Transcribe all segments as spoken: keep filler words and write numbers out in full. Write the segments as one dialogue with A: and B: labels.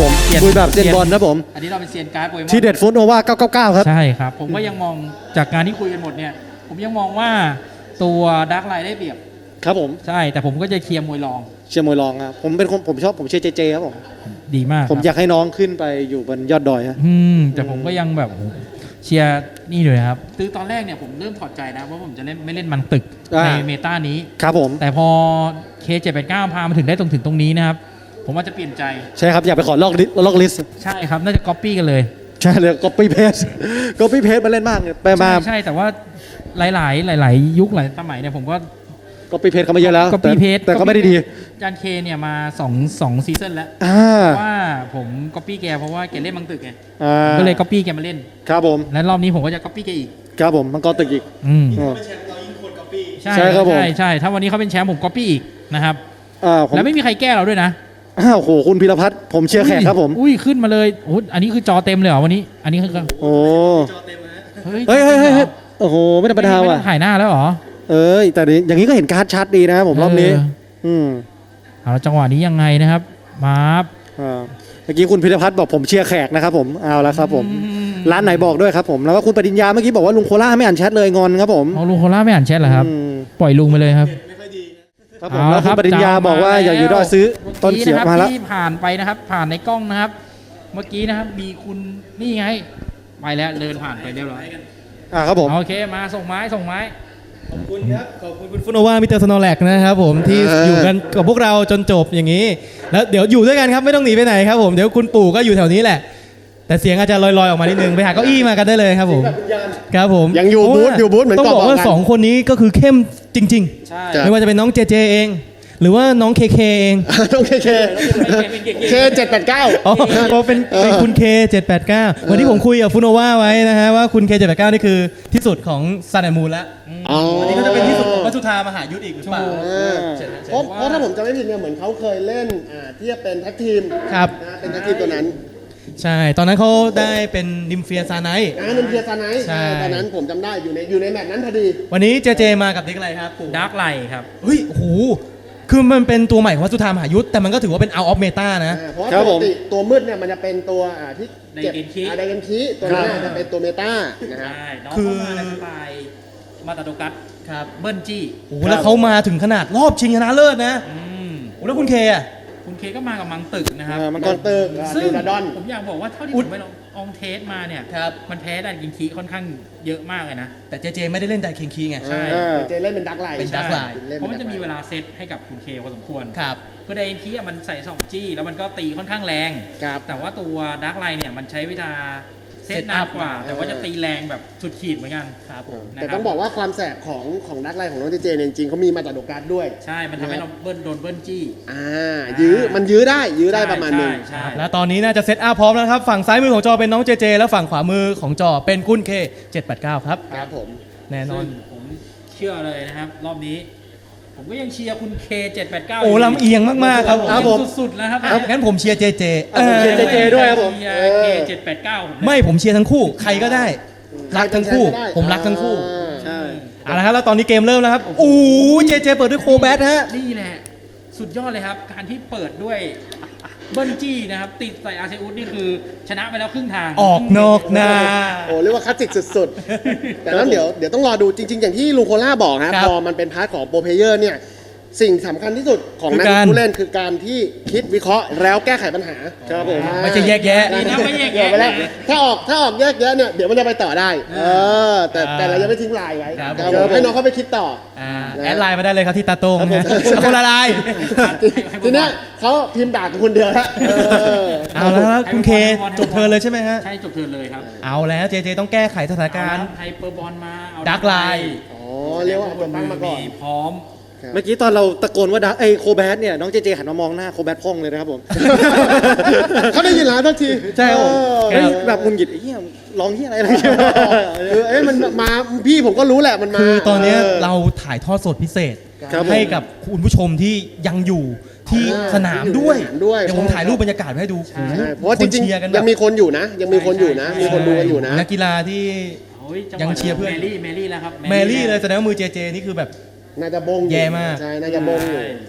A: ผมคุยแบบเซียนบอลนะผม
B: อันนี้เราเป็นเซียนการ์ดโปเกมอน
A: ทีเด็ดฟุตโนวาเก้าเก้าเก้าครับ
B: ใช่ครับผมก็ยังมองจากการที่คุยกันหมดเนี่ยผมยังมองว่าตัวดาร์กไลน์ได้เปรียบ
A: ครับผม
B: ใช่แต่ผมก็จะเคลียร์มวยรอง
A: เชียร์มวยรองครับผมเป็นคนผมชอบผมเชียร์เจเจครับผม
B: ดีมาก
A: ผมอยากให้น้องขึ้นไปอยู่บนยอดดอยฮะ
B: อืมแต่ผมก็ยังแบบเชียร์นี่เลยครับคือตอนแรกเนี่ยผมเริ่มถอดใจนะว่าผมจะเล่นไม่เล่นมันตึกในเมตานี้
A: ครับผม
B: แต่พอ เค เจ็ดแปดเก้า พามาถึงได้ตรงถึงตรงนี้นะครับผมว่าจะเปลี่ยนใจ
A: ใช่ครับอยากไปขอลอกลิสล็อกลิส
B: ใช่ครับน่าจะก๊อปปี้กันเลย
A: ใช่เลยก๊อปปี้เพจก๊อปปี้เพจมาเล่นมากไปมา
B: ใช่แต่ว่าหลายๆหลายๆยุคหลายสมัยเนี่ยผมก็
A: ก๊อปปี้เพจเขามาเยอะแล้ว
B: ก๊อปปี้เพจ
A: แต่ก็ไม่ได้ดี
B: จานเคเนี่ยมาสองสองซีซั่นแล้วว่าผมก๊อปปี้แกเพราะว่าแกเล่นมังตึกไงก็เลยก๊อปปี้แกมาเล่น
A: ครับผม
B: และรอบนี้ผมก็จะก๊อปปี้แกอีก
A: ครับผมมังกรตึกอีก
B: อืม
A: ใช่ครับผม
B: ใช่ใช่ถ้าวันนี้เขาเป็นแชมป์ผมก๊อปปี้อีกนะครับแล้วไม่มีใครแก้เราด้วยนะ
A: อ้าวโหคุณพิรพัฒน์ผมเชียร์แขกครับผม
B: อุ้ยขึ้นมาเลยโอ้อันนี้คือจอเต็มเลยเหรอวันนี้อันนี้คือ
A: โอ้
B: เฮ้ย
A: เฮ้ยเฮ้ยโอ้โหไม่ธรรมดาว่ะ
B: ถ่ายหน้าแล้วเหรอ
A: เอ้ยแต่อย่างนี้ก็เห็นการ์ดชัดดีนะผมรอบนี้อืม
B: เอาจังหวะนี้ยังไงนะครับมาบ
A: อ่าเมื่อกี้คุณพิรพัฒน์บอกผมเชียร์แขกนะครับผมเอาแล้วครับผมร้านไหนบอกด้วยครับผมแล้วก็คุณปริญญาเมื่อกี้บอกว่าลุงโคล่าไม่อ่านแชทเลยงอนครับผม
B: เอาลุงโคล่าไม่อ่านแชทเหรอครับปล่อยลุงไปเลยครับ
A: ครับผมแล้วคุณปริญญาบอกว่าอยากอยู่ด้วยซื้อต้นเขียวมาแล้ว
B: ที่ผ่านไปนะครับผ่านในกล้องนะครับเมื่อกี้นะครับมีคุณนี่ไงไปแล้วเดินผ่านไปเรียบร้อย
A: อ่าครับผม
B: โอเคมาส่งไม้ส่งไม้
C: ขอบคุณครับขอบคุณคุณฟุโนวามิสเตอร์สโนแลกนะครับผมที่อยู่กันกับพวกเราจนจบอย่างนี้แล้วเดี๋ยวอยู่ด้วยกันครับไม่ต้องหนีไปไหนครับผมเดี๋ยวคุณปู่ก็อยู่แถวนี้แหละแต่เสียงอาจจะลอยๆออกมานิดนึงไปหาเก้าอี้มากันได้เลยครับผมครับผม
A: ยังอยู่บูธอยู่บูธเหมือน
C: ต้องบอกว่าสองคนนี้ก็คือเข้มจริงๆไม่ว่าจะเป็นน้องเจเจเองหรือว่าน้องเคเคเอง
A: น้องเคเคเคเจ็ดแปดเก้า
C: อ๋อเป็นเป็นคุณเคเจ็ดแปดเก้าวันที่ผมคุยกับฟุโนวาไว้นะฮะว่าคุณเคเจ็ดแปดเก้านี่คือที่สุดของซันแอนด์มูนแล้วอันนี้ก็จะเป็นที่สุดของวัตถุธามหายุทธอีกหรือเปล่า
D: เพราะเพราะถ้าผมจำไม่ผิดเนี่ยเหมือนเขาเคยเล่นที่จะเป็นแท็กทีม
C: ครับ
D: เป็นแท็กทีมตัวนั้น
C: ใช่ตอนนั้นเขาได้เป็นนิมเฟียซาไนท์
D: อ่านิมเฟียซาไนท์ตอนนั้นผมจำได้อยู่ในอยู่ในแมตช์นั้นพอดี
C: วันนี้เจเจมากับเด็กอะไรครับ
B: ดาร์กไลท์ครับ
C: เฮ้ยโอ้โหคือมันเป็นตัวใหม่ของวัตถุธามหายุทธแต่มันก็ถือว่าเป็น out of meta นะ
D: เพราะปกติตัวมืดเนี่ยมันจะเป็นตัวที่เก็บไดเกนคีตัวนั้นจะเป็นตัวเมตานะครับ
B: คือในสไตล์มาตาโดกัสครับเบิ้ลจี้
C: โอ้แล้วเขามาถึงขนาดรอบชิงชนะเลิศนะโอ้แล้วคุณเคอะ
B: คุณเคก็มากับมังตึกนะครับ
D: มังกรตึก
B: ซึ่งผมอยากบอกว่าเท่าที่ผมไปลองอองเทสมาเนี่ยมันแพ้ดันกินคีค่อนข้างเยอะมากเลยนะ
C: แต่เจเจไม่ได้เล่นดันกินคีไง
D: ใช่เจเล่นเป็นดักไลน์
C: เป็นดักไลน์
B: เพราะมันจะมีเวลาเซตให้กับคุณเคพอสมควร
C: ครับ
B: คือดันกินคีมันใส่สองจี้แล้วมันก็ตีค่อนข้างแรงแต่ว่าตัวดักไลน์เนี่ยมันใช้เวลาเซตนานกว่าแต่ว่าจะตีแรงแบบสุดขีดเหมือนกัน
C: ครับผม
D: แต่ต้องบอกว่าความแสบของของดักไลน์ของน้องเจเจจริงๆเขามีมาจากโดการ์ดด้วย
B: ใช่มันทำให้เราเบิ้ลโดนเบิ้ลจี้
D: อ่ายื้อมันยื้อได้ยื้อได้ประมาณนึง
C: แล้วตอนนี้น่าจะเซตอัพพร้อมแล้วครับฝั่งซ้ายมือของจอเป็นน้องเจเจแล้วฝั่งขวามือของจอเป็นคุณเคเจ็ดแปดเก้าครับ
D: ครับผม
C: แน่นอน
B: ผมเชื่อเลยนะครับรอบนี้ผมก็ยังเชียร์คุณเคเจ็ดแปดเก้า
C: โอ้ลำเอียงมากๆครับ
B: ผมสุดๆแล้วครับ
C: งั้นผมเชียร์เจเจ
A: ผมเชียร์เจเจด้วยครับผม
B: เคเจ็ดแปดเก้า
C: ไม่ผมเชียร์ทั้งคู่ใครก็ได้รักทั้งคู่ผมรักทั้งคู่
A: ใช่
C: เอาละครับแล้วตอนนี้เกมเริ่มแล้วครับโอ้เจเจเปิดด้วยโคแบทฮะ
B: นี่แหละสุดยอดเลยครับการที่เปิดด้วยเบิ้ลจี้นะครับติดใส่อาเซอุสนี่คือชนะไปแล้วครึ่งทาง
C: ออกนอกนา
D: โอ้เรียกว่าคลาสสิกสุดๆแต่นั้นเดี๋ยวเดี๋ยวต้องรอดูจริงๆอย่างที่ลุงโคล่าบอกนะพอมันเป็นพาร์ทของโปรเพเยอร์เนี่ยสิ่งสำคัญที่สุดของนักผู้เล่นคือการที่คิดวิเคราะห์แล้วแก้ไขปัญหา
C: ครับผมไม่ใช่แยกแยะ
B: นะไม่แยกแยะ
D: ถ้าออกถ้าออกแยกแยะเนี่ยเดี๋ยวมันจะไปต่อได้เออแต่แต่เรายังไม่ทิ้งลายไว้เดี๋ยวให้น้องเขาไปคิดต่อ
C: แอดไลน์มาได้เลยครับที่ตาโต้งคนละลาย
D: ทีนี้เขาพิมพ์ด่าคุณเดียวแล้ว
C: เอาแล้วคุณเคจบเทิร์นเลยใช่ไหมฮะ
B: ใช่จบเทิร์นเลยครับ
C: เอาแล้วเจเจต้องแก้ไขสถานการณ์
B: ไฮเปอร์บอลมา
C: ดักไลน์
D: อ๋อเรียกว่าตัวตั้งมาก่อน
B: พร้อม
A: เมื่อกี้ตอนเราตะโกนว่าดักไอโคแบทเนี่ยน้องเจเจหันมามองหน้าโคแบทพ่องเลยนะครับผม
D: เขาได้ยินแล้วทันที
A: ใช่ผมแบบงุนหงิดไอ้เหี้ยร้องเหี้ยอะไรอะไร
D: คือเอ้ยมันมาพี่ผมก็รู้แหละมันมา
C: คือตอนนี้เราถ่ายทอดสดพิเศษให้กับคุณผู้ชมที่ยังอยู่ที่สนามด้วยเดี๋ยวผมถ่ายรูปบรรยากาศให้ดู
D: เพราะจริงๆยังมีคนอยู่นะยังมีคนอยู่นะมีคนดูกันอยู่นะ
C: นักกีฬาที่ยังเชียร์เพื่อน
B: แมรี่แมรี่แล้วครับ
C: แมรี่เลยแสดงว่ามือเจเจนี่คือแบบ
D: น่าจะบง
C: แย่มาก
D: ใช่น่าจะบงอยู่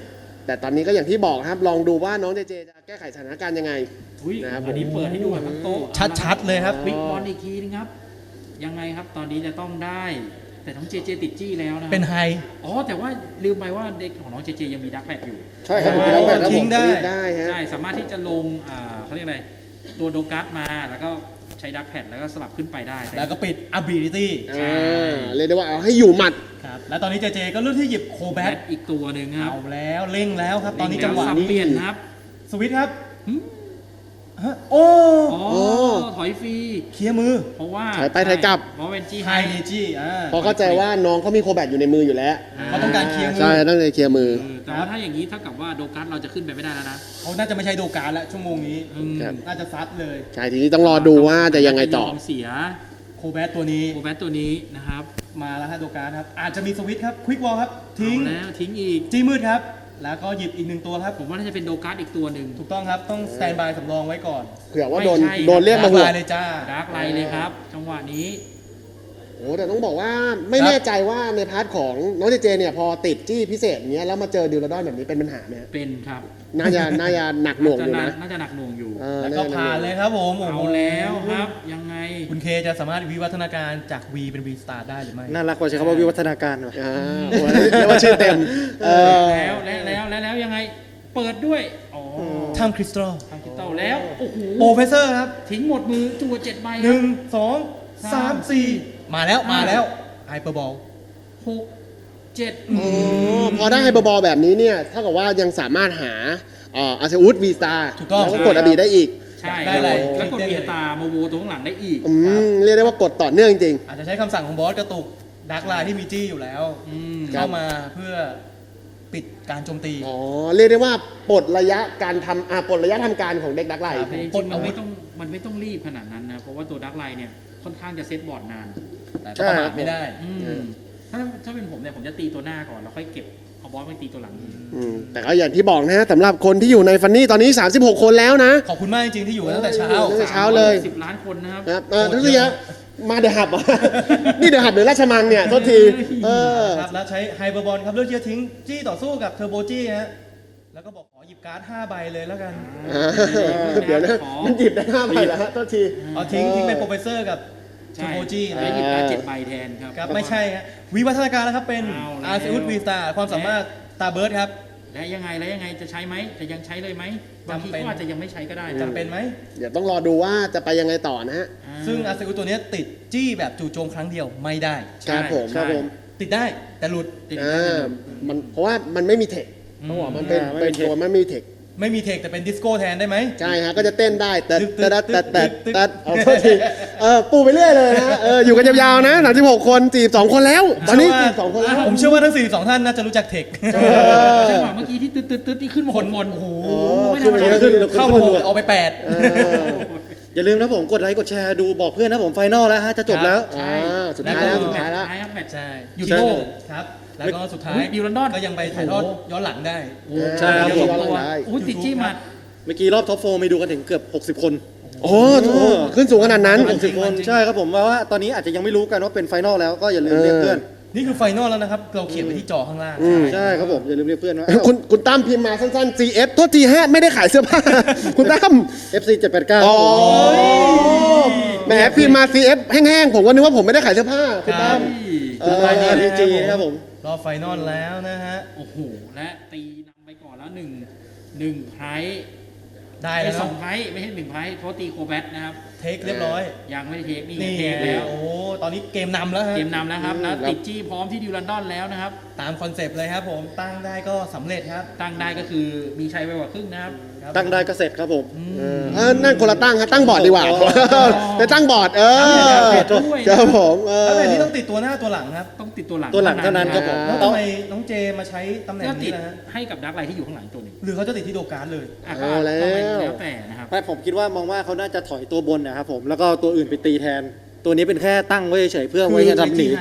D: แต่ตอนนี้ก็อย่างที่บอกครับลองดูว่าน้องเจเจจะแก้ไขสถานการณ์ยังไง
B: อุ้ย
D: นะครับ
B: อันนี้เปิดให้ดูแบบทั้งโต๊ะ
C: ชัดๆเลยครับ
B: บิ๊กบอลอีกทีนึงครับ ยังไงครับตอนนี้จะต้องได้ แต่น้องเจเจติดจี้แล้วนะ
C: เป็นไฮ
B: อ๋อแต่ว่าลืมไปว่าเด็กของน้องเจเจยังมีดักแพดอยู่
D: ใช่ครับ
C: โอ้
D: แล้วแบบ
C: ทิ้งได้
D: ได้ฮะ
B: ใช่สามารถที่จะลงอ่าเขาเรียกอะไรตัวโดกัสมาแล้วก็ใช้ดักแพดแล้วก็สลับขึ้นไปได้
C: แล้วก็ปิด ability
D: อ่าเรียกได้ว่าเอาให้อยู่หมัด
C: ครับแล้วตอนนี้เจเจก็เลือกที่หยิบโคแบ
B: แบ
C: ท
B: ทอีกตัวหนึ่งครับ
C: เอาแล้วเร่งแล้วครับ ตอนนี้จังหวะ
B: สับ
C: นี้
B: เปลี่ยนครับ
C: สวิตช์ครับ
B: หึ
C: ฮะโอ้
B: อ๋อ
D: โอ้
B: ถอยฟรี
C: เคลียร์มือ
B: เพราะว่า
D: ถอยไปถอยกลับ
B: เพราะเป็นจี
C: ไฮ
B: ไฮ
C: เนจีอ่า
D: เพราะเข้าใจว่าน้องเขามีโคแบตอยู่ในมืออยู่แล้ว
C: เขาต้องการเคลียร์มื
D: ใช่ต้องเลยเคลียร์มือ
B: แต่ว่าถ้าอย่างนี้เท่ากับว่าโดกัสเราจะขึ้นไปไม่ได้แล้วนะ
C: เขาน่าจะไม่ใช่โดการแล้วชั่วโมงนี้
B: อืม
D: ครับ
C: น่าจะซัดเลย
D: ใช่ทีนี้ต้องรอดูว่าจะยังไงต่อ
B: ยอมเสีย
C: โคแบทตัวนี้
B: โอแบทตัวนี้นะครับ
C: มาแล้วฮะโดการครับ อาจจะมีสวิตช์ครับควิกวอลครับ ทิ้ง
B: เอาแล้วทิ้งอีก
C: จี้มืดครับ แล้วก็หยิบอีกหนึ่งตัวครับ
B: ผมว่าน่าจะเป็นโดกัสอีกตัวหนึ่ง
C: ถูกต้องครับ ต้องสแตนบายสำรองไว้ก่อน
D: เผื่อว่าโดน
B: ไม่ใช่
D: โดนเรียกมาหัว
C: ลายเลยจ้า
B: ดาร์กไลท์เลยครับ จังหวะนี้
D: โอ้แต่ต้องบอกว่าไม่
C: ครับ
D: แน่ใจว่าในพาร์ทของน้องเจเจเนี่ยพอติดจี้พิเศษอย่างเงี้ยแล้วมาเจอดิวลาดอนแบบนี้เป็นปัญหาไหมฮะ
B: เป็นครับ
D: น่าจะน่าจะหนักหน่วง
B: จะ
D: อยู่
B: หนั
D: นะ
B: กน่าจะหนักหน่วงอยู่
D: เออ
C: แล้วก็
D: น่จะห
C: ผ่านเลยครับผมโอ้
B: เอา
C: โห
B: แล้วครับ ยังไง
C: คุณเคจะสามารถวิวัฒนาการจาก V เป็น V Star ได้หรือไม่
A: น่ารักกว่าใช้คำว่าวิวัฒนาการว่ะ
D: อ่าโอ้ยเรียกว่าชื่อเต็มเออ
B: แล้วแล้วแล้วแล้วแล้วยังไง เปิดด้วย อ๋อ
C: ทำคริสตัล
B: ทางคิตเต้าแล้ว โอ้โห
C: โปรเฟสเซอร์ครับ
B: ทิ้งหมดมือจั่วเจ็ดใบ
C: ห
B: ครั
C: นึ่
B: บ
C: งสองสามสี่มาแล้วมาแล้วไฮเปอร์บอล
B: หกเจ็ด
D: อ๋อพอได้ไฮเปอร์บอลแบบนี้เนี่ยเท่ากับว่ายังสามารถหาเอ่ออาเซอุสวีสตา
C: ถูกต้อง
D: แล้วก็กดอบีได้อีก
B: ใช่
C: ได้เลย
B: แล้วกดเบียตาโมโวตัวข้างหลังได้อีก
D: อืมเรียกได้ว่ากดต่อเนื่องจริง
C: อาจจะใช้คำสั่งของบอสกระตุกดักไลน์ที่มีจี้อยู่แล้ว
B: อืม
D: ครั
C: เข้า
D: บ
C: มาเพื่อปิดการโจมตี
D: ๆอ๋อเรียกได้ว่าปลดระยะการทำอ่าปลดระยะทำการของเด็กดักไลท์
C: ครับ
B: แต่จ
C: ก
B: ริ
C: ด
B: งๆ
C: เอา
B: มัน
C: ไว้
B: ไม่ต้องมันไม่ต้องรีบขนาดนั้นนะ เพราะว่าตัวดักไลน์เนี่ยค่อนข้างจะเซตบอร์ดนาน
C: แต่ก็ประมาทไม่ได้
B: อืมถ้าถ้าเป็นผมเนี่ยผมจะตีตัวหน้าก่อน แล้วค่อยเก็บเอาบอสไปตีตัวหลัง
D: อืมแต่ก็อย่างที่บอกนะฮะสำหรับคนที่อยู่ในฟันนี่ตอนนี้ สามสิบหก คนแล้วนะ
C: ขอบคุณมากจริงๆที่อยู่กันตั้งแต่เช้า
D: ตั้งแต่เช้าเลย
B: สิบล้านคนนะครับ
D: นะครับเออทุกทีฮะมาเดือหับเหรอ นี่เดือหับหรือราชมังเนี่ยโทษทีเออ
C: ครับแล้วใช้ไฮเปอร์บอลครับเลือกที่จะทิ้งจี้ต่อสู้กับเทอร์โบจี้ฮะแล้วก็บอกขอหยิบการ์ดห้าใบเลยแล้วกัน
D: อ่าเดี๋ยวนะมันหยิบได้ห้าใบแล้วฮะโทษที
C: เอาทิ้งทิ้งเป็นโปรเฟสเซอร์กับเทอ
B: ใช่
C: ร์โบจี้
B: แล้ว
C: นะ
B: หยิบการดเจ็ดใบแทนครับ
C: ครับไม่ใช่ฮะวิวัฒนาการแล้วครับเป็น
B: เอาแล้ว
C: อาร์เซอุสวีสตาความสามารถตาเบิร์ดครับ
B: แล้วยังไงแล้วยังไงจะใช้ไหมจะยังใช้เลยไหมบางที
C: จำเป็น
B: ก็อาจจะยังไม่ใช้ก็ได้
C: จำเป็นไหม
D: เดี๋ยวต้องรอดูว่าจะไปยังไงต่อนะฮะ
B: อ่า
C: ซึ่งอาร์เซอุสตัวเนี้ยติดจี้แบบจู่โจมครั้งเดียวไม่ได้
D: ครับผม
B: ใช่
D: ครับผม
C: ติดได้แต่หลุด
B: ติด
D: อ่
B: ได้
D: ามันเพราะว่ามันไม่มีเทคต้องบอกมันเป็น
A: อ่าไม่
D: เป็น
A: มีเทค
D: ตัวมันไม่มีเทค
C: ไม่มีเทคแต่เป็นดิสโก้แทนได้ไหม
D: ใช่ฮะก็จะเต้นได้แต่
C: ตึ๊ด
D: แต่แต่แต่
C: ตึ๊ด
D: แต่เอาโทษทีเออปูไปเรื่อยเลยนะเอออยู่กันยาวๆนะสามสิบหกคนสี่สิบสองคนแล้ว ตอนนี้สี่สิบสองคนแล้ว
C: ผมเชื่อว่าทั้งสี่สิบสองท่านน่าจะรู้จักเทค
B: จังหวะเมื่อกี้ที่ตึ๊ดตึ๊ดตึ๊ดที่ขึ้นมาหกคนโอ้โห
D: โอ้
B: ไม่ธรรมดา
A: ขึ้น
C: เข้ามาหกเอาไปแปด
D: เออ
A: อย่าลืมนะผมกดไลค์กดแชร์ดูบอกเพื่อนนะผมไฟนอลแล้วฮะจะจบแล้ว
D: อ่าสุดท้ายแล้วสุดท้ายแล้ว
B: ท้ายครับแมตช์
C: ใช่อยู่ที่โลกครับแล้วก็สุดท้าย
B: อุ๊ยดิวลันดอน
C: ก็ยังไปถ่ายทอดย้อนหลังได้
A: ใช่ครับผม
D: ย้อนหลังได้
B: อุ้ยติดจี้หมัด
A: เมื่อกี้รอบท็อปโฟร์มีดูกันถึงเกือบหกสิบคน
D: โอ้โหขึ้นสูงขนาดนั้น
A: หกสิบคนใช่ครับผมว่าว่าตอนนี้อาจจะยังไม่รู้กันว่าเป็นไฟนอลแล้วก็อย่าลืมเรียกเพื่อน
C: นี่คือไฟนอลแล้วนะครับ เราเขียนไว้ที่จอข้างล่าง
D: อืม
A: ใช่ครับผมอย่าลืมเรียกเพื่อนว่า
D: คุณคุณตั้มพิมพ์มาสั้นๆ ซี เอฟ โทษทีฮะไม่ได้ขายเสื้อผ้า คุณตั้ม
A: เอฟซีเจ็ดแปดเก้า
D: อ๋อแหมพิมพ์มา ซี เอฟ แห้งๆ ผมก็นึกว่าผมไม่ได้ขายเสื้อผ้าคุณตั้ม เออ
A: รายการพีจีครับผม
C: รอบไฟนอลแล้วนะฮะ
B: โอ้โห และตีนำไปก่อนแล้วหนึ่งหนึ่งไพรส์
C: ได้
B: ไอ้
C: แล้ว
B: ส
C: นะ
B: องไพรส์ไม่ใช่หนึ่งไพรส์เพราะตีโคแบทนะครับ
C: เทคเรียบร้อย
B: ยังไม่ได้เทคนี่
C: นี่
B: เทคแล้ว
C: โอ้ตอนนี้เกมนำแล้วฮะ
B: เกมนำแล้วครับ
D: อืม
B: แล้ว
D: ครับ
B: ติดจี้พร้อมที่ดิวลันดอนแล้วนะครับ
C: ตามคอนเซปต์เลยครับผมตั้งได้ก็สำเร็จครับ
B: ตั้งได้ก็คือมีชัยไปกว่าครึ่งนะครับ
C: ครับ
A: ตั้งได้ก็เสร็จครับผม
D: เออเออนั่นคนละตั้งครับตั้งบอร์ดดีกว่า
A: อ๋อ
D: ไปตั้งบอร์ดเออ
B: ด้วย
D: ครับผมเออ
C: แล้วแบบนี้ต้องติดตัวหน้าตัวหลังครับ
B: ต้องติดตัวหลัง
A: ตัวหลังเท่านั้นครับผม
C: แล้วทำไมน้องเจมาใช้ตำแหน่ง
B: ก็ติ
C: นี้
B: ด
C: นะฮะ
B: ให้กับดักไลท์ที่อยู่ข้างหลังตัวหนึ่ง
C: หรือเขาจะติดที่โดการ์ดเลย
B: อ่ะก็
D: เอาแล้ว
B: ก็ไม่แล้วแต่นะครับ
A: ไม่ผมคิดว่ามองว่าเขาน่าจะถอยตัวบนนะครับผมแล้วก็เอาตัวอื่นไปตีแทน ตัวนี้เป็นแค่ตั้งไว้เฉยๆเพื่อไว้จะทำหนี
C: ไฮ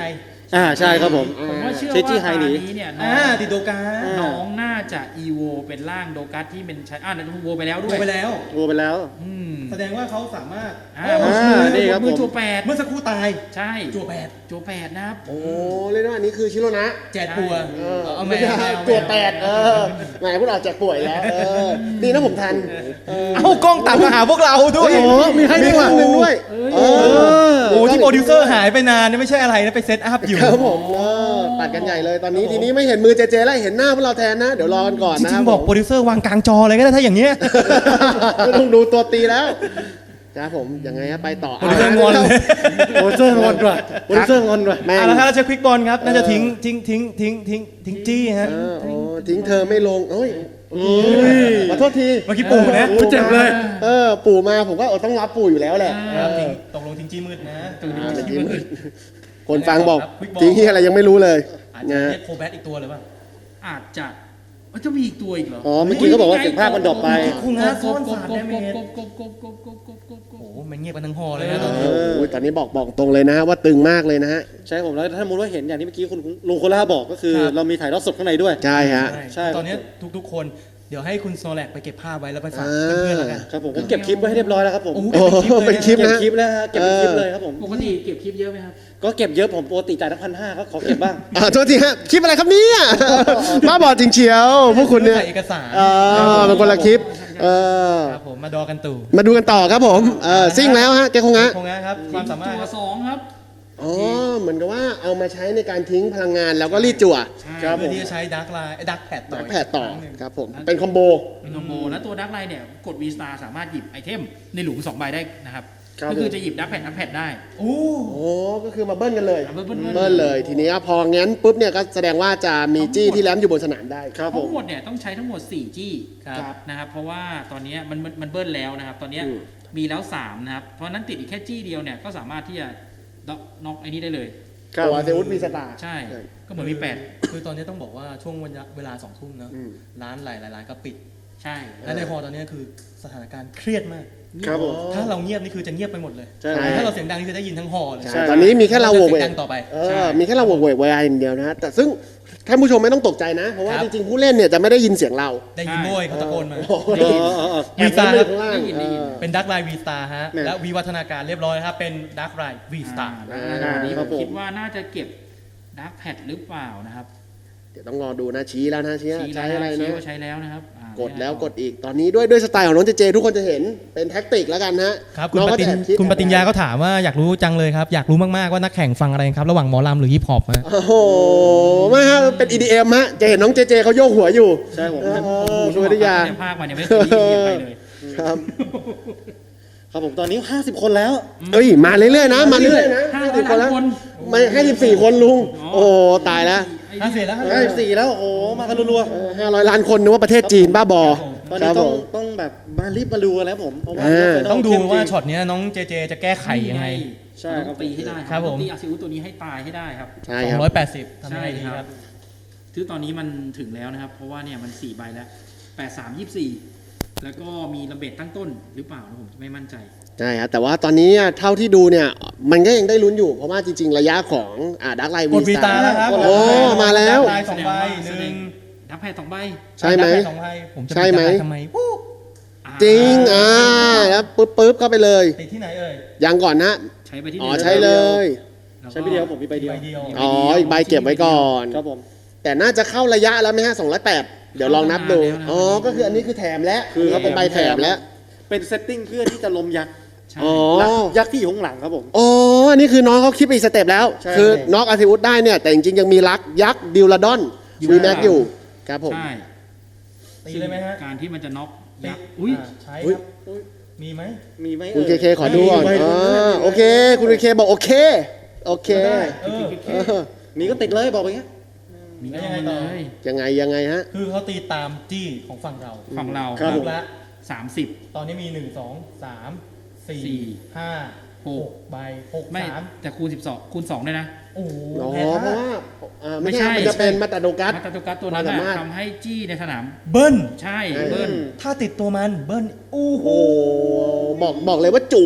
A: อ่าใช่ครับผม
B: ผมว่าเชื่อ
A: เช
B: ว่า
A: จี้ไฮ
B: ตา
A: หนี
B: นี้เนี่ยน้
C: อ่า
B: อง
C: ติดโดกา
B: น้องน่าจะอีโวเป็นร่างโดกัสที่เป็นใช้อ่านั่นโวไปแล้วด้
C: ดู
B: วย
C: ไปแล้ว
A: โวไปแล้ว
B: อืม
C: แสดงว่าเขาสามารถ
B: อ่า
C: โอ้
A: อ่านี่
B: นี่
A: ครับ
B: มือ
A: ผม
B: จัวแปด
C: เมื่อสักครู่ตาย
B: ใช่
C: จั่วแปด
B: จัวแปดนะครับ
D: โอ้เรียกได้ว่าอันนี้คือชิโรนะ
C: แจกปัว
D: เออ
C: เอาแม
D: ไม่
C: ว
D: ใช่
C: เอาแมว
D: ตัวแปดเออแหมพูดออกแจกป่วยแล้วเออดีนะผมทันเออ
C: เอ้ากล้องตัดมาหาพวกเราด้วย
A: โอ้โหมีให้
D: มี
A: ด้วย
D: ครั้งหนึ่งด้วยเออ
C: โอ้ที่โปรดิวเซอร์หายไปนานเนี่ยไม่ใช่อะไรนะไปเซตอัพอยู่
D: ครับผมเออตัดกันใหญ่เลยตอนนี้ทีนี้ไม่เห็นมือเจเจแล้วเห็นหน้าพวกเราแทนนะ เดี๋ยวรอกันก่อน
C: จ
D: นะ
C: ริงๆบอกโปรดิวเซอร์วางกลางจอเลยก็ได้ถ้าอย่างเงี้ย
D: ไม่ต้องดูตัวตีแล้วครับผมยังไงฮะไปต่อ
C: โปรดิวเซอร์งอนเลย
A: โปรดิวเซอร์งอนด้วยโปรดิวเซอร์งอนด้วย
D: แม่ง
C: อ่ะแล้วถ้าเราจะควิกบอลครับน่าจะทิ้งทิ้งทิ้งทิ้งทิ้งทิ้งจี้ฮะ
D: เออโอ้ทิ้งเธอไม่ลงโอ้ย
A: โอ้ย
D: ขอโทษที
C: เมื่อกี้ปู่นะ
A: โอ้เจ็บเลย
D: เออปู่มาผมก็เออต้องรับปู่อยู่แล้วแหละ
C: ครับทิ้งตกลงทิ้งจี้มืดนะ
D: อ่าจริงๆคนฟังบอก
C: ครับ Quick Ball
D: จริงที่อะไรยังไม่รู้เลย
C: อาจจะ
D: นะ
C: เรียกโคแบทอีกตัวเลยป่ะ
B: อาจจะเอ้ยจะมีอีกตัวอีกเหรอ
A: อ๋อเมื่อกี้เขาบอกว่าเสียงภาคมันดรอปไป
C: คุณฮะซ่อนสาร
B: ก
C: แด
B: บ
C: เม
B: ก
C: จ
B: บกบกบกบกบกบกบกบ
C: โอ้โหมันเงียบกันทั้งหอเลยนะตอน
D: เอ
C: นี้
D: อโอ้ยตอนนี้บอกบอกตรงเลยนะฮะว่าตึงมากเลยนะฮะ
A: ใช่ผมแล้วถ้าสมมติว่าเห็นอย่างที่เมื่อกี้คุณลุงโคล่าบอกก็คือ
C: ครับ
A: เรามีถ่ายทอดสดข้างในด้วย
D: ใช่ฮะ
A: ใช่
C: ตอนนี้ทุกๆ คนเดี๋ยวให้คุณโซแลกไปเก็บภาพไว้แล้วไปฝาก
D: อ่า
C: เพื่อนๆแล้วกัน
A: ครับผมผมเก็บคลิปไว้ให้เรียบร้อยแล้วครับผม
C: โอ้โห
D: โอ้โหเป็นคลิป
A: เก็บ
D: นะ
A: คลิปแล้วฮะเก็บเป็นคลิปเลยครับผม
B: ปกติเก็บคลิปเยอะไหมครับ
A: ก็เก็บเยอะผมปกติจ่ายตั้งพันห้าก็ขอเก็บบ้าง
D: อ่าโทษทีฮะคลิปอะไรครับเนี่ยบ้าบอจริงเชียวพวกคุณเนี่ย
C: ถ่ายเอกสาร
D: เออเป็นคนละคลิปเออ
C: ครับผมมาดอกันตู่
D: มาดูกันต่อครับผมเออซิ่งแล้วฮะแกคงฮะ
C: คงนะครับความสามารถ
B: ตัวสองครับ
D: อ๋อเหมือนกับว่าเอามาใช้ในการทิ้งพลังงานแล้วก็รีดจั่ว
A: ครับ
C: เพื่อที่จะใช้ดักไลน์ดักแพดต่อ
D: นักแผดต่อ
C: อีกครั้งหนึ่ง
D: ครับผมเป็นคอมโบ
B: เป็นคอมโบแล้วตัวดักไลน์เนี่ยกด V Star สามารถหยิบไอเทมในหลุมสองใบได้นะครับ
A: ครับ
B: ก็คือจะหยิบดักแพดดักแพดได้
C: โอ้
D: โอ้ก็คือมาเบิ้ลกันเลย
B: เบิ้ลเบิ้ลเบิ้ล
D: เบิ้ลเลยทีนี้พองั้นปุ๊บเนี่ยก็แสดงว่าจะมีจี้ที่แลมอยู่บนสนามได้
A: ครับผ
B: ทั้
A: ม
B: งหมดเนี่ยต้องใช้ทั้งหมดสี่จี้
C: ครับ
B: นะครับเพราะว่าตอนเนี้ยมันมันมันเบิ้ลแล้วนะครับ ตอนเนี้ย
D: อืม
B: มีแล้วสามนะครับเพราะฉะนั้นติดอีกแค่จี้เดียวเนี่ยก็สามารถที่จะน็อกน็อกไอ้นี้ได้เลย
A: ครับ
D: ตัวเซอุสมีสตาร์
B: ใช่ ก็เหมือนมีแปด
C: คือตอนนี้ต้องบอกว่าช่วงวันเวลาสองทุ่มเนอะ
D: อืม
C: ร้านหลายๆร้านก็ปิด
B: ใช่
C: และในฮอลล์ตอนนี้คือสถานการณ์เครียดมาก
A: ครับผม
C: ถ้าเราเงียบนี่คือจะเงียบไปหมดเลย
A: ใช่
C: แต่ถ้าเราเสียงดังนี่คือได้ยินทั้งฮอลล์เลย
A: ใช่
D: ใช่ตอนนี้มีแค่เราโหวก
C: เสี
D: เวย
C: ง
D: ก
C: ดังต่อไป
D: เออมีแค่เราโหวกเวกไว้อย่างเดียวนะฮะแต่ซึ่งท่านผู้ชมไม่ต้องตกใจนะ เพราะว่า
C: ครับ
D: จริงๆผู้เล่นเนี่ยจะไม่ได้ยินเสียงเรา
C: ได้ยินโวยเขาตะโกนมา
D: โอ้โห
A: เออเออเออ
C: วีซ่า
D: แอบเล่นไปอยู่ข้างล่าง
B: ได้ยินได้ยิน
D: เออ
C: เป็นดักไลน์วีสตาร์ฮะ
A: แม่
C: และวีวัฒนาการเรียบร้อยครับ เป็นดักไลน์วีสตาร์
B: อ่าแล้ววันนี้
A: ค
B: ผ
A: รับ
B: ม
A: ผม
B: คิดว่าน่าจะเก็บดักแพดหรือเปล่านะครับ
D: เดี๋ยวต้องรอดูนะชี้แล้วนะชี้
B: ชี้
D: ใช้
B: แล้ว
D: อะไร
B: ชี้
D: นะ
B: ว่าใช้แล้วนะครับอ่าก
D: ดแล้วกดอีกตอนนี้ด้วยด้วยสไตล์ของน้องเจเจทุกคนจะเห็นเป็นแท็กติกแล้วกันฮะ
C: ครับคุณ
D: น้อง
C: ป
D: ก็
C: ฏิญ
D: จะแอบคิด
C: คุณปฏิญญาก็ถามว่าอยากรู้จังเลยครับ อยากรู้มาก ๆ ว่านักแข่งฟังอะไรครับ ระหว่างหมอลำหรือฮิปฮอปฮะ
D: โอ้โหไม่ฮะเป็น อี ดี เอ็ม ฮะจะเห็นน้องเจเจเขาโยกหัวอยู่
A: ใช่ผม
D: เออคุณปฏิญญา
B: ในภาคมันยังไม่เคยได้ยินใครเลย
D: ครับ
A: ครับผมตอนนี้ห้าสิบคนแล้ว
D: เอ้ยมาเรื่อยๆนะมาเรื่อยๆนะ
B: ห้า
D: ห้า
B: สิ
D: สิ
B: บบ ค
D: คน น
B: แล้
D: แล้ว ว
B: คน
D: ไม่ห้าสิบสี่คนลุง โอ้ตายแล้ว
C: ห้าสิบแล้ว
A: ห้าสิบสี่แล้วโอ้โหมากันรัว
D: ห้าร้อยล้านคนนึกว่าประเทศจีนบ้าบอ
A: ๆตอน
D: ค
A: นี้
D: รับ
A: ต้
D: ผ
A: อง
D: ม
A: ต้องแบบมารีบมาดูกันแล้วผมเพราะว่า
D: เออ
C: ต้องดู
A: เข้มจริ
C: ว่าช็อตเนี้ยน้องเจเจจะแก้ไขยังไง
A: ใช่ครับ
B: ต้องตีให้ได้
C: ครับผม
B: ต้องตีอาซิอุตัวนี้ให้ตายให้ได้ครับ
D: ใช่
C: สอ
D: ครั
C: ง
D: บ
C: ร้อยแปดสิบทำยังไงดี
B: ใช่
C: ค
B: ครั
C: รับ
B: บ คือตอนนี้มันถึงแล้วนะครับ เพราะว่าเนี่ยมันสี่ใบแล้วแปดสามยี่สี่แล้วก็มีระเบิดตั้งต้นหรือเปล่านะผมไม่มั่นใจ
D: ใช่ครับแต่ว่าตอนนี้เท่าที่ดูเนี่ยมันก็ยังได้ลุ้นอยู่ เพราะว่าจริง ๆ ระยะของอ่าดักไล
C: กดวีตาแล้วครับ
D: โอ้มาแล้ว
C: ดักไลน์สองใบหนึ่ง
B: ดับแพดสองใบ
D: ใช่ไหม
C: ดักลน์สองใบผมจะ
D: ใช่ไหม
C: ปิดดักลน์ทำไมวู้
D: จริงอ่าแล้วปึ๊บปึ๊บเข้าไปเลย
C: ติดที่ไหนเอ่ย
D: ยังก่อนนะ
B: ใช้ไปที่
D: อ๋อ
B: หนึ่ง
D: ใช้เลย
B: แล้วก็
A: ใช้ไปเดียวผมมีใบเดียว
C: ใบเดียว
D: อ๋ออีกใบเก็บไว้ก่อน
A: ครับผม
D: แต่น่าจะเข้าระยะแล้วไหมฮะสองร้อยแปดเดี๋ยวลองนับดูอ๋อก็คืออันนี้คือแถมแล้ว
A: คือ
D: เขาเป็นใบแถมแล้ว
A: เป็นเซตติ้งเพื่อที่จะลมยักษ์
B: ใช่
D: อ๋อ
A: ยักษ์ที่อยู่ข้างหลังครับผม
D: อ๋ออันนี้คือน้องเขาคิดไปอีกสเต็ปแล้ว
A: ใช่
D: คือน็อกอาร์ติอุสได้เนี่ย แต่จริงๆ ยังมีลักยักษ์ดิวลาดอนวีแม็กอยู่ ครับผม
B: ใช่
C: ตีเลยไหมฮะ
B: การที่มันจะน็อก
C: ติ
B: ยั
C: ด
B: กษ์อุ้ย
C: าใช้
D: อุ๊ย
C: ครับมีไหม
A: มีไหม
D: คุณเค
A: อ่ย
D: เคขอดูก่อน
A: มีใบ
D: อ๋
A: หนึ่ง
D: อ
A: ด้วย
D: โอเค คุณเคเคบอกโอเค โอเค
C: เออ
D: เออ
A: มีก็ติดเลยบอกไปอย่างเงี้ย
B: มี
C: แล้ว
B: เอา
C: ยังไง
B: มา
C: ต่อ
B: เลย
D: ยังไงยังไงฮะ
C: คือเขาตีตามจี้ของฝั่งเรา
B: ฝั่งเรา
A: ครับผม
C: ลูกละ
B: สามสิบ
C: ตอนนี้มีหนึ่งสองสามสี่
B: สี่
C: ห้า
B: ห
C: ห
B: ก
C: กใบหก
B: ไม่
C: สาม
B: แต่คูณสิบสองคูณสองด้วยนะ
C: โอ้โห
D: อ๋อ
C: แพ้
D: เพราะ
C: ท่า
D: ว่าอ่า
B: ไม่
D: ไม่
B: ใช่
D: ใช่ มันจะเป็นมาตาโดกัส
B: มาตาตุกัสตัวนั้น
D: ความสามารถ
B: น่ะทำให้จี้ในสนาม
C: เบิ้ล
B: ใช่
D: เออ
B: เบิ้ล
C: ถ้าติดตัวมันเบิ้ลโอ้โห
D: โอ้บอกบอกเลยว่าจุก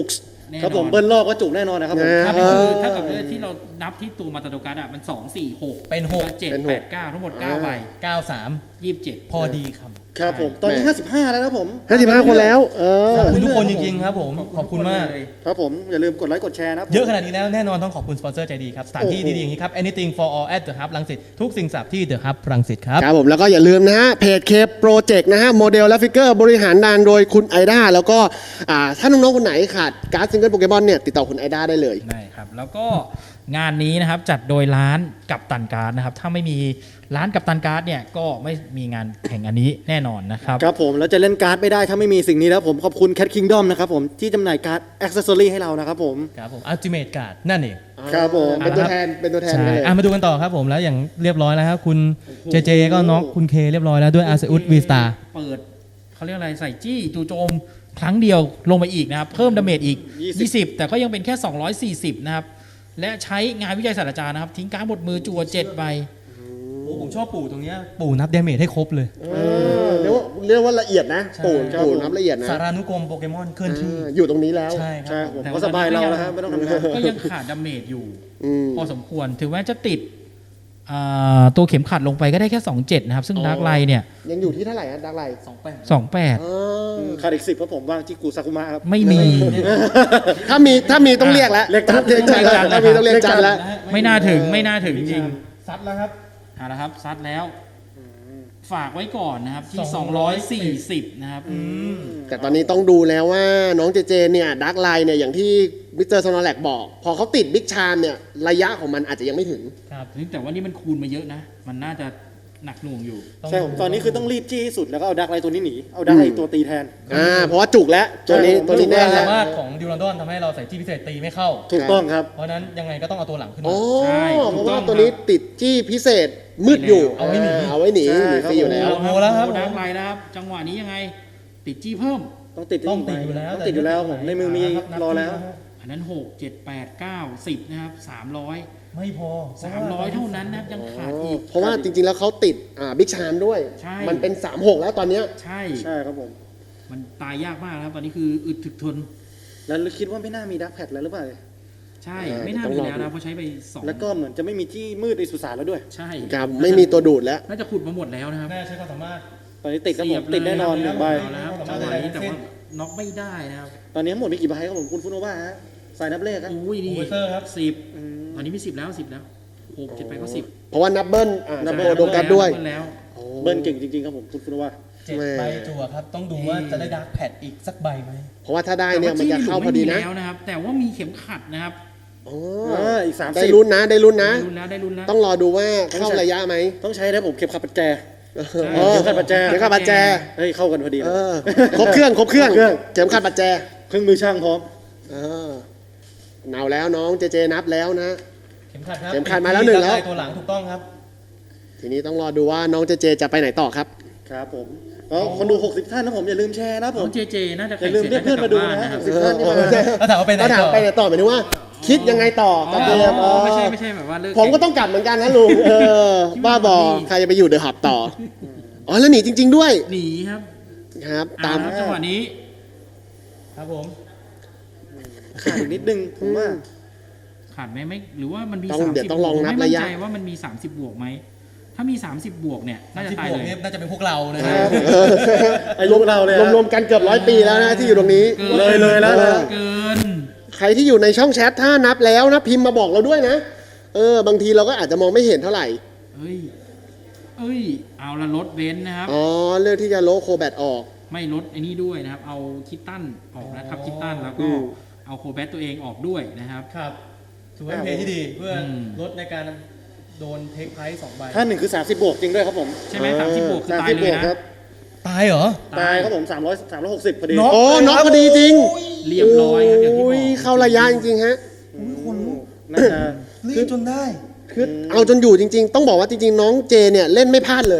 B: แน่นอน
A: ครับผมเบิ้ลรอบก็จุกแน่นอนนะครับผม
B: ถ้า
D: เอ
B: เป็น
D: อ
B: คือถ้ากับที่เรานับที่ตัวมาตาโดกัสอ่ะมันสองสี่หก
C: เป็นหก
B: เจ็ด
D: เป็นห
B: แป
D: ก
B: ดเก้าทั้งหมดเก้าใบ
C: เก้าสาม
B: ยี่สิบเจ็ด
C: พอดีครับ
A: ครับผมตอนนี้
D: แหม่
A: ห้าสิบห้าแล้วนะครับผม
D: ห้าสิบห้าคนแล้ว เออ
C: ขอบคุณทุกคนจริงๆครับผม ขอบคุณมาก
B: เลย
A: ครับผมอย่าลืมกดไลค์กดแชร์นะครับผม
C: เยอะขนาดนี้แล้วแน่นอนต้องขอบคุณสปอนเซอร์ใจดีครับ สถานที่
A: โอ้โห
C: ดีๆอย่างนี้ครับ anything for all at the hub รังสิตทุกสิ่งสับที่ the hub รังสิตครับ
D: ครับผมแล้วก็อย่าลืมนะฮะเพจเคโปรเจกต์นะฮะโมเดลและฟิกเกอร์บริหารงานโดยคุณไอด้าแล้วก็อ่าถ้าน้องๆคนไหนขาดการ์ดซิงเกิลโปเกมอนเนี่ยติดต่อคุณไอด้าได้เลย
B: ได้ครับแล้วก็งานนี้นะครับจัดโดยร้านกัปตันการ์ดนะครับถ้าไม่มีร้านกัปตันการ์ดเนี่ยก็ไม่มีงานแข่งอันนี้แน่นอนนะครับ
A: ครับผมแล้วจะเล่นการ์ดไม่ได้ถ้าไม่มีสิ่งนี้แล้วผมขอบคุณ Cat Kingdom นะครับผมที่จำหน่ายการ์ดอ็อกเซสซอรี่ให้เรานะครับผม
C: ครับผม ultimate card นั่นเอง
A: ครับผม
D: เป็นตัวแทนเป็นตัวแทน
C: ใช่
D: กันเลย
C: อ่ะมาดูกันต่อครับผมแล้วอย่างเรียบร้อยแล้วครับคุณเจเจก็น็อกคุณเคเรียบร้อยแล้วด้วยอาร์เซอุสวีสตา
B: เปิดเขาเรียกอะไรใส่จี้จู่โจมครั้งเดียวลงไปอีกนะครับ เพิ่มดาเมจอีก ยี่สิบ แต่ก็ยังเป็นแค่ สองร้อยสี่สิบ นะครับ และใช้งานวิจัยศาสตราจารย์นะครับ ทิ้งการ์ดบดมือจั่วเจ็ดใบ
C: โอ้ผมชอบปู่ตรงเนี้ยปู่นับเดเมจให้ครบเลย
D: เออเรียกว่าเรียกว่าละเอียดนะ
C: ใช่
D: ปูน
A: ครับ
D: ปูน
A: ผม
D: นับละเอียดนะ
C: สารานุกรมโปเกมอนเคลื่อนที่
D: เอออยู่ตรงนี้แล้ว
C: ใช่ค
A: ใช่
C: รับ
A: ผม
B: แต่
A: ก็
B: ว่า
A: สบายเรา
B: ตอนนี้
A: แล้วครับไม่ต้องทำงาน
B: ก็ยังขาดดาเมจอยู่
D: อืม
B: พอสมควร ถึงแม้จะติดอ่าตัวเข็มขัดลงไปก็ได้แค่ สองเจ็ด นะครับ ซึ่ง
D: อ๋อ
B: ดาร์กไลท์เนี่ย
D: ยังอยู่ที่เท่าไหร่ฮะดักไลท์
C: สองแปด
B: สองแปด
D: อ๋อ
A: ขาดอีกสิบเพราะผมว่างจิกุซากุมะครับ
B: ไม่มี
D: ถ้ามีถ้ามีต้องเรียกแล้ว
A: เรียกจัน
D: เรียกจันแล้วถ้ามีต้องเรียกจันแล้ว
B: ไม่น่าถึงไม่น่าถึงจริง
C: ซัดแล้วครับ
B: ๆเอาละครับซัดแล้ว ฝากไว้ก่อนนะครับ ที่
C: ส
B: ส
C: อ
B: อง ง
C: ร้
B: ร้
C: อ
B: อย ย
C: สี่
B: สี่
C: สิ
B: สิ
C: บ
B: บนะครับ
D: แต่ตอนนี้ต้องดูแล้วว่าน้องเจเจเนี่ยดักไลน์เนี่ยอย่างที่มิสเตอร์ซอนอแลกบอก พอเขาติดบิ๊กชามเนี่ยระยะของมันอาจจะยังไม่ถึง
C: ครับ
B: แต่ว่านี่มันคูณมาเยอะนะ มันน่าจะหนักหน่วงอยู่
A: ใช่ผมตอนนี้คือต้องรีบจี้ให้สุดแล้วก็เอาดักไลตัวนี้หนีเอาดักไลตัวตีแทน
D: อ่าเพราะว่าจุกแล้วตัวนี้
A: ใช่
D: ตัวนี้แน่
C: ความ
D: แล้
C: สาว มารถของดิวรันดอนทำให้เราใส่จี้พิเศษตีไม่เข้า
A: ถูกต้องครับ
C: เพราะฉะนั้นยังไงก็ต้องเอาตัวหลังขึ้น
D: โอ้
C: มา
B: ใช่
D: เพ
B: ถู
D: ราะ
B: กต้
D: ว่า
B: อง
D: ตัวนี้ติดจี้พิเศษมืดอยู่
C: เอาไว้หนี
D: เอาไว้หนี
A: ใช่
D: หนีฟรีอยู่แล้ว
C: โโหแล้วครับ
B: ดักไลน์นะครับ จังหวะนี้ยังไง ติดจี้เพิ่ม
A: ต้องติด
C: ต้องติดอยู่แล้ว
A: ต้องติดอยู่แล้วผมในมือมีรอแล้ว
B: อันนั้นหก เจ็ด แปด เก้า สิบนะครับสามร้อย
C: ไม่พอ
B: สามร้อยเท่านั้นนะครับยังขาดอีก
D: เพราะว่าจริงๆแล้วเขาติดอ่าบิ๊กชามด้วย
B: ใช่
D: มันเป็นสามหกแล้วตอนเนี้ย
B: ใช่
A: ใช่ครับผม
B: มันตายยากมากนะครับ ตอนนี้คืออึดถึกทน
A: แล้วคิดว่าไม่น่ามีดักแพดแล้วหรือเปล่า
B: ใช่
D: เออ
B: ไม่น่า
D: ต้อง
B: มี
D: รอ
B: แล้ว
D: ดู
B: นะเพราะใช้ไปสอง
A: แล้วก็เหมือนจะไม่มีที่มืดในสุสานแล้วด้วย
B: ใช่
D: ครับไม่มีตัวดูดแล้ว
B: น่าจะขุดมาหมดแล้วนะครับ
C: น่าใช้ความสามารถ
A: ตอนนี้ติดครับผม
B: เสียบเลย
A: ติดแน่นอนหนึ่งใบ
B: เอาแล้วครับจังหวะนี้แต่ว่าน็อกไม่ได้นะครับ
A: ตอนนี้ทั้งหมดมีกี่ใบครับผมคุณฟุโนวาฮะสายนับเลขครับ
B: อุ้ยนี่
C: โอเวอร์เซอร์ครับ
B: สิบ
A: อืม
B: ตอนนี้มีสิบแล้วสิบแล้วหกเจ็ดไปก็สิบ
D: เพราะว่านับเบิ้ลอ่า
A: นั
D: นั
A: บบ เบิ้
D: โบ
A: ล
D: โดกัสด้วย
B: เบิ้ลแล้ว
A: เบิ้ลเก่งจริงๆครับผมคุณฟุโนวา
C: เจ็ดใบจั่วครับ ต้องดูว่าจะได้ดาร์กแพดอีกสักใบไหม
D: เพราะว่าถ้าได้เนี่ยมันจะเข้าพอดีนะ
B: แต่ว่จี้หลุมไม่มีแล้วนะครับ แต่ว่ามีเข็มขัดนะครับ
D: อ๋อ
A: อ่าอีกสาม
D: ได้
A: สิบ
D: ลุ้นนะได้ลุ้นนะ
B: ได้ลุ้นแล้วได้ลุ้นแล้ว
D: ต้องรอดูว่าเข้าระยะไหม
A: ต้องใช้นะผมเข็มขัดปัจแจ
D: เออ
A: เข็มขัดปัจแจ
D: เข็มขัดปัจแจ
A: เฮ้ยเข้ากันพอดี
D: เอ
A: เลย
D: อครบเครื่องครบเครื่อง
A: ครบเครื่อง
D: เข็มขัดปัจแจ
A: เครื่องมือช่างพร้อม
D: เออเนาแล้วน้องเจเจนับแล้วนะ
C: เข็มขัดครับ
D: เข็มขัดมาแล้วหนึ่งแล้ว
C: ดาร์กไตัวหลังถูกต้องครับ
D: ทีนี้ต้องรอดูว่าน้องเจเจจะไปไหนต่อครับ
A: ครับผมก็คนดูหกสิบท่านนะผมอย่าลืมแชร์นะผ
B: น้อ
A: ม
B: งเจเจน่าจะ
A: อ
B: แข่
A: ย่าง ลืม
B: เสร็จ
A: เรียก
B: น่า
A: เพื่อน
B: จะกลั
A: มา
B: บ
A: ดู
B: บ้าน
A: นะ
B: นะครับ
A: หกสิบท่านที่มา
C: แล้วถามว่าไปไหน
D: ก็ถาม
C: ต่อ
D: ไปไหนต่อหมายถึงว่า คิดยังไงต่อกับเกม
B: อ๋อ
D: อ๋อ
B: ไม่ใช่ไม่ใช่แบบว่าเลิก
D: ผมก็ต้องกลับเหมือนกันนะลุงเออบ้าบอใครจะไปอยู่เดอะฮับต่ออ๋อแล้วหนีจริง ๆด้วย
B: หนีครับ
D: ครับ
B: ตา
D: ตาม ม
B: จังหวะนี้
C: ครับผม
A: ขาดอีกนิดนึงผมว่า
B: ขาดไหมไม่หรือว่ามันมี
D: ต้อง
B: สาม
D: เดี๋ย
B: สิ
D: ว
B: บ
D: ต้องลองนับ
B: ไม่มั่น
D: ระยะ
B: ใจว่ามันมีสามสิบบวกไหมถ้ามีสามสิบบวกเนี่ยน่าจะ
C: ที่
B: ตาย
C: บวก
B: เลย
C: เนี่ยน่าจะเป็นพวกเรานะ
A: ค
C: ฮะ
A: รับ
D: เออ
A: ไอ้ลูกเราเลย
D: รวมๆกันเกือบร้อยปีแล้วนะที่อยู่ตรงนี้
A: เลยเลยแล้ว
D: เอ
A: นะ
D: อ
B: เกิน
D: ใครที่อยู่ในช่องแชทถ้านับแล้วนะพิมพ์มาบอกเราด้วยนะ เออบางทีเราก็อาจจะมองไม่เห็นเท่าไหร่
B: เอ้ยเอ้ยเอาละลดเบนซ์นะครับ
D: อ๋อเลือกที่จะโลโคแบตออก
B: ไม่ลดไอ้นี่ด้วยนะครับ เอาคิตตันออกนะครับคิตตันแล้ว
D: อื
B: ก็
D: ม
B: เอาโคแบตตัวเองออกด้วยนะครับ
C: ครับถือว่าเป็นเพลย์ที่ดีเพื่ออ
B: ม
C: ลดในการโดนเทคไพรส์สองใบ
A: ท่านหนึ่งคือสามสิบบวกจริงด้วยครับผม
B: ใช่ไหมสามสิบบวกคือ
A: สาม
B: ตาย
A: สิบ
B: เล
A: บ
B: ยว
A: ก
B: นะครับ
C: ตายเหรอ
A: ตายครับผมสามร้อยสามร้อยหกสิบพอดี
C: น็อก
D: โอ้น็อกพอดีจริง
B: เรียบร้อยครับอย่างที่บ
D: โอ้
B: อย ก
D: เข้าระยะจริงๆฮะ
A: น่าจะ
C: รีบจนได้
D: คือเอาจนอยู่จริง ๆ ต้องบอกว่าจริงๆ น้องเจเนี่ยเล่นไม่พลาดเลย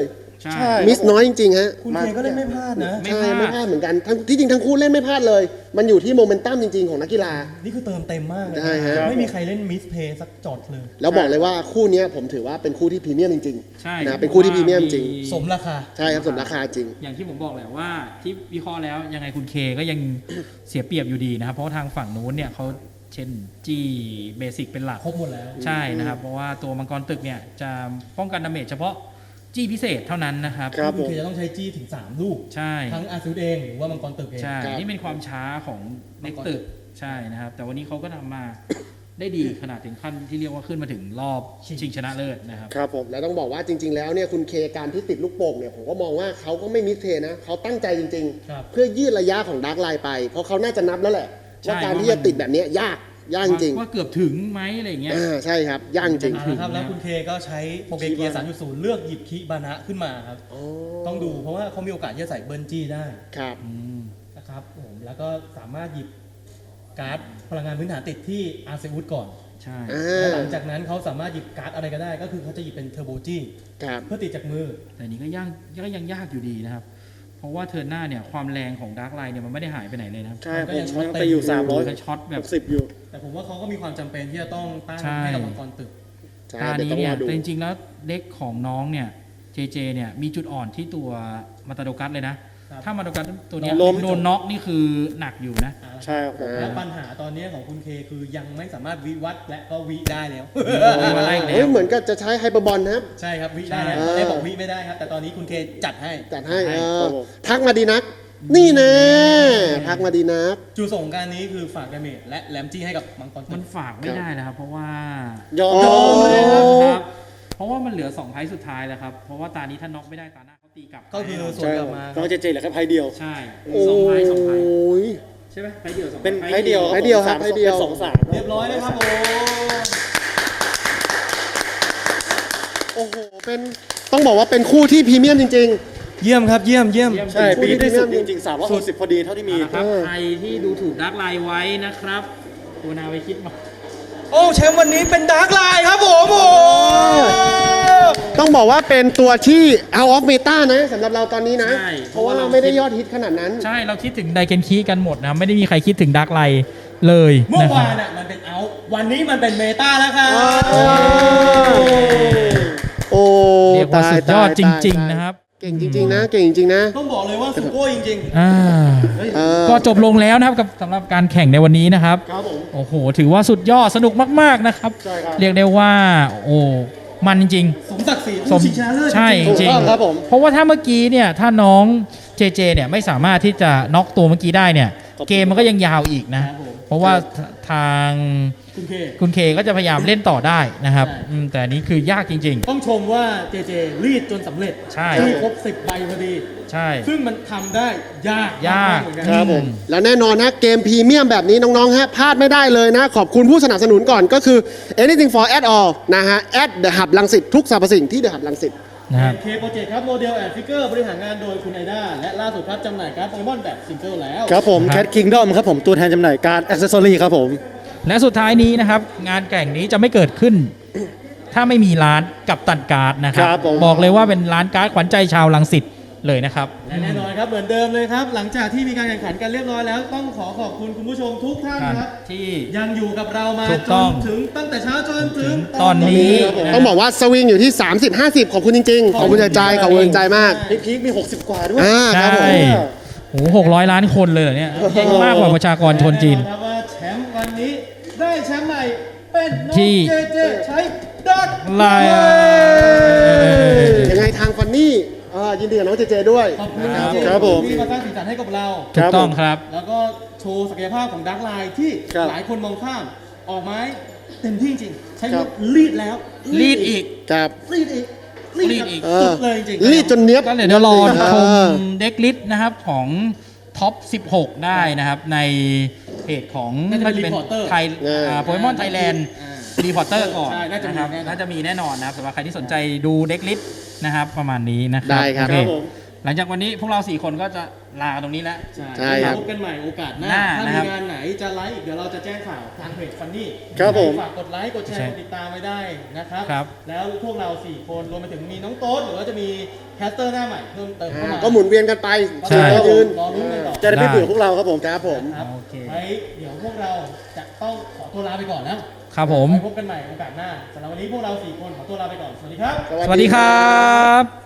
B: ใช่
A: ใช่
D: มิสน้อยจริงๆฮะ
C: คุณเคก็เล่นไม่พลาดนะ
B: ไม่
D: ใช่
B: พลาด
D: ไม่พลาดเหมือนกันทั้งที่จริงทั้งคู่เล่นไม่พลาดเลย มันอยู่ที่โมเมนตัมจริงๆของนักกีฬา
C: นี่คือเติมเต็มมากเลย
D: ใช่ฮะ
C: ไม่มีใครเล่นมิสเพย์สักจอดเลย
D: แล้วบอกเลยว่าคู่เนี้ยผมถือว่าเป็นคู่ที่พรีเมียมจริง
B: ใช่
D: ๆนะเป็นคู่ที่พรีเมียมจริง
C: สมราคา
D: ใช่ครับสมราคาจริง
B: อย่างที่ผมบอกแหละว่าที่วิเคราะห์แล้วยังไงคุณเคก็ยัง เสียเปรียบอยู่ดีนะครับ เพราะว่าทางฝั่งนู้นเนี่ยเขาเช่นจี้เบสิกเป็นหลัก
C: ครบหมดแล้ว
B: ใช่นะครับ เพราะว่าตัวมังกรตึกเนี่ยจะป้องกันดาเมจเฉพาะจี้พิเศษเท่านั้นนะครับ
D: ครับ
C: คุณเคจะต้องใช้จี้ถึง สาม ลูก
B: ใช่
C: ทั้งอาซูดเองหรือว่ามังกรตึกเอง
B: ใช่
D: ครับ
B: นี่เป็นความช้าของเล็กตึกใช่นะครับ แต่วันนี้เขาก็ทำมา ได้ดีขนาดถึงขั้นที่เรียกว่าขึ้นมาถึงรอบชิงชนะเลิศนะครับ
A: ครับผม
D: แล้วต้องบอกว่าจริง ๆ แล้วเนี่ยคุณเคการที่ติดลูกโป่งเนี่ยผมก็มองว่าเขาก็ไม่มิสเทนะเขาตั้งใจจริง
C: ครับ
D: ๆ เพื่อยืดระยะของดาร์กไลน์ไป เพราะเขาน่าจะนับแล้วแหละ
B: ใช่
D: ว่าการที่จะติดแบบเนี้ยยากยากจริง
B: ว่าเกือบถึงไหมอะไรอย่างเงี้ย
D: อ่าใช่ครับยากจริง
C: เอาละครับแล้วคุณเคก็ใช้โปรเกเกียร์ สามจุดศูนย์ เลือกหยิบคิบานะขึ้นมาครับ
D: อ๋อ
C: ต้องดูเพราะว่าเขามีโอกาสที่จะใส่เบิร์นจี้ได้
D: ครับ
C: นะครับผมแล้วก็สามารถหยิบการ์ดพลังงานพื้นฐานติดที่อาร์เซอุสก่อน
B: ใช่
D: อ่
C: และ
D: า
C: หลังจากนั้นเขาสามารถหยิบการ์ดอะไรก็ได้ ก็คือเขาจะหยิบเป็นเทอร์โบจี้
D: ครับ
C: เพื่อติดจากมือ
B: แต่นี้ก็ยากก็ยังยากอยู่ดีนะครับ เพราะว่าเทิร์นหน้าเนี่ยความแรงของดาร์กไลน์เนี่ยมันไม่ได้หายไปไหนเลยนะครับ
A: ใช่
C: มันก็
A: ผม
C: ยังช็อต
A: ยัง
C: เต็ม
A: ไปอยู่สามร้อย
B: มันช็อตแบบ
A: สิบอยู่
C: แต่ผมว่าเขาก็มีความจำเป็นที่จะต้องตั้ง
B: ใช่
C: ให้กับมังกรตึก
D: ใช่
B: ตา
D: เดี๋ยว
B: นี้
D: ต้อง
B: เนี่
D: ร
B: ย
D: อดู
B: แต่จริงๆแล้วเด็กของน้องเนี่ยเจเจเนี่ยมีจุดอ่อนที่ตัวมาตาโดกัสเลยนะ
C: ครับ
B: ถ้ามาโดกัสตัวเนี้ย
A: โดน
B: โดนน็อกนี่คือหนักอยู่นะ
A: ใช่ครับผม
C: และปัญหาตอนนี้ของคุณเคคือยังไม่สามารถวิวัฒน์และก็วิได้แล้ว
B: มาไล่แล้
D: เฮ้ยว เหมือนกับจะใช้ไฮเปอร์บอลนะครับ
C: ใช่ครับวิได้แล้ว
D: ใช่
C: ตอนแรกบอกวิไม่ได้ครับ แต่ตอนนี้คุณเคจัดให้
D: จัดให้
B: ให้
D: เอ
A: ครั
D: อบ
A: ผม
D: ทักมาดีนัก นี่นะทักมาดีนัก
C: จูส่งการนี้คือฝากดาเมจและแลมจี้ให้กับมังกรตึ
B: มัน
C: ก
B: ฝากไม่ได้นะครับ เพราะว่าย
A: อม
D: อ๋อ
A: ยอมเลยครับ
B: ครับ เพราะว่ามันเหลือสองไพ่สุดท้ายแล้วครับ เพราะว่าตานี้ถ้าน็อกไม่ได้ตาหน้าเขาตีกลับ
C: ก็คือ
B: ให้เรา
C: ส่วน
A: ใช่
C: ก
A: ค
C: ลั
A: รั
C: บบ มา
A: น้องเจเจเหลือแค่ไพ่เดียว
B: ใช่
D: โอ้
B: สองไพ่สองไพ่
D: ย
B: ใช่ไหมไพ่เดียวสอง
A: เป็นไพ่เดียว
D: ไพ่เดียวครับ
A: สาม
D: ไพ่เดียว
A: ป็นสองสาม
C: เรียบร้อยเลยครับโอ้
D: โอ้โห เป็นต้องบอกว่าเป็นคู่ที่พรีเมียมจริง
C: เยี่ยมครับเยี่ยมเยี่ยม
B: เยี่ยม
A: ใช่ปีที่สุด
D: คู่ที่
A: จริงๆสามร้อยหกสิบพอดีเท่าที่มี
B: นะครับ
D: เออ
B: ใครที่ดูถูกดักไลน์ไว้นะครับคุณนาไปคิดมา
C: โอ้แชมป์วันนี้เป็นดาร์กไลน์ครับผมโอ้
D: ๆ ต้องบอกว่าเป็นตัวที่ out of meta นะสำหรับเราตอนนี้นะ
B: ใช่
D: เพราะว่าเราไม่ได้ยอดฮิตขนาดนั้น
B: ใช่เราคิดถึงไดเกนคีกันหมดนะครับไม่ได้มีใครคิดถึงดักไลน์เลย
C: เมื่อ
B: นะครั
C: วา
B: บ
C: นอ่ะมันเป็นเอาท์วันนี้มันเป็นเมตาแล้วครับ
D: โอ้
B: เรียกว่าสุดยอดจริง
D: ตาย
B: ๆ นะครับ
D: เก่งจริง ๆ นะ เก่งจริง ๆ นะ
C: ต้องบอกเลยว่าสุโก้จริง
B: อ่า
D: เออ
B: ก็จบลงแล้วนะครับกับสำหรับการแข่งในวันนี้นะครับ
A: ครับผม
B: โอ้โห ถือว่าสุดยอดสนุกมากๆนะครับ
A: ใช่ครับ
B: เรียกได้ว่า โอ้มันจริง
C: ๆ สมศักดิ์ศรี
B: สม
C: ผู้ชิงชนะเลิศ
B: ใช่
C: จริง
B: จริง
A: ถูกต้องครับผม
B: เพราะว่าถ้าเมื่อกี้เนี่ยถ้าน้องเจเจเนี่ยไม่สามารถที่จะน็อกตัวเมื่อกี้ได้เนี่ย
A: ครับ
B: เกมมันก็ยังยาวอีกนะ
C: ครับผม
B: เพราะว่าทาง
C: คุณเค
B: คุณเคก็จะพยายามเล่นต่อได้นะครับ
C: ใช่
B: อืมแต่อันนี้คือยากจริง
C: ต้องชมว่าเจเจรีดจนสำเร็จ
B: ใช่
C: ที่ครบสิบใบพอดี
B: ๆ ใช่
C: ซึ่งมันทำได้ยาก
B: ยาก
C: เหมือนกัน
A: ครับผม
D: แล้วแน่นอนนะเกมพรีเมียมแบบนี้น้องๆฮะพลาดไม่ได้เลยนะ ขอบคุณผู้สนับสนุนก่อนก็คือ anything for at all นะฮะ at the hub ลังสิตทุกสรรพสิ่งที่ the hub ลังสิต
B: นะครับ
C: เคโปรเจกต์ครับโมเดลแอนด์ฟิกเกอร์บริหารงานโดยคุณไอด้าและล่าสุดครับจำหน่ายการ์ดโปเกมอนแบบซิงเกิลแล้ว
A: ครับผม
B: ครับ
A: Cat Kingdom ครับผมตัวแทนจำหน่ายการ์ด accessory ครับผม
B: และสุดท้ายนี้นะครับ งานแข่งนี้จะไม่เกิดขึ้น ถ้าไม่มีร้านกับตันการ์ดนะครับ
A: ครับผม
B: บอกเลยว่าเป็นร้านการ์ดขวัญใจชาวลังสิตเลยนะครับ
C: และแน่นอนครับเหมือนเดิมเลยครับ หลังจากที่มีการแข่งขันกันเรียบร้อยแล้ว ต้องขอขอบคุณคุณผู้ชมทุกท่านครับ
B: ที่
C: ยังอยู่กับเรามา
B: ถูก
C: จ
B: ต้อน ง
C: ถึงตั้งแต่เช้าจนถึง
B: ตอนนี้
C: ะ
D: ต้องบอกว่าสวิงอยู่ที่ สามสิบ ห้าสิบ ขอบคุณจริง ๆ ขอบคุณใจใจขอบคุณใจมาก
A: พีคๆมี หกสิบ กว่าด้วย
D: อ่าครับผม
B: ใช่ โอ้หกร้อยล้านคนเลยเหรอเนี่ยเยอะมากกว่าประชากรชนจีน
C: แอครับว่าแชมป์วันนี้ได้แชมป์ใหม่เป็นน้อง
B: ที่
C: เจเจใช้ดัก
B: ไลน์
D: ยังไงทางฟันนี่อ่ายินดีกับน้องเจเจด้วย
C: ขอบคุณ
A: ครับ
C: จงๆ
A: ครับผม
C: ที่มาสร้างสีสันให้กับเรา
B: ถูกต้องครับ
C: แล้วก็โชว์ศักยภาพของดักไลน์ที่
A: ครับ
C: หลายคนมองข้ามออกไม้เต็มที่จริงใช้
A: ครับ
C: ลีดแล้ว
B: รีดอีก
D: ครับ
C: ลีดอีก
B: ลีดอีก
C: แบบสุดเลยจริงๆ
D: รีดจนเนี้ยบ
B: ก็เดี๋ยวรอช
D: เอ
B: ม
D: อ
B: เด็กลิสต์นะครับของท็อป สิบหก ได้นะครับ ในเพจของ
C: น่าจะเป็น Reporter
B: ไทยโปเกมอนไทยแลนด์
C: อ่า
B: รีพอร์เตอร์ก่อน
C: ใช่น่าจะมี
B: นะครับ
C: แน่นอน
B: น่าจะมีแน่นอนนะครับสำหรับใครที่สนใจดูเด็กลิสต์นะครับ ประมาณนี้นะครั
D: ได้ครับ
B: โอเ
A: ครับผม
B: หลังจากวันนี้พวกเราสี่คนก็จะลาตรงนี้แล้ว
D: ใช่ครับ
C: พบกันใหม่โอกาสห
B: ห
C: น้า
B: น้า
C: ถ้า
B: นะ
C: มี
B: ครับ
C: งานไหนจะไลฟ์เดี๋ยวเราจะแจ้งข่าวทางเพจฟันนี่
A: ครับผม
C: ฝากกดไลค์กดแช
B: ใช่
C: ร์กดติดตามไว้ได้นะครับ
B: ครับ
C: แล้วพวกเราสี่คนรวมไปถึงมีน้องโต๊ดหรือว่าจะมีแคสเตอร์หน้าใหม่เพิ่มเติมเข้ามา
D: ก็หมุนเวียนกันไป
B: ใช่
D: ก็ยืน
C: รอลุ้นกันต่อ
A: จะได้ไม่เบื่อพวกเราครับผม
D: ครับผม
C: ครับ
B: โอเค
C: ไว้เดี๋ยวพวกเราจะต้องขอตัวลาไปก่อนนะครับ
B: ผม
C: ไว้พบกันใหม่โอกาสหน้าสำหรับวันนี้พวกเราสี่คนขอตัวลาไปก่อนสวัสดีครับ
B: สวัสดีครับ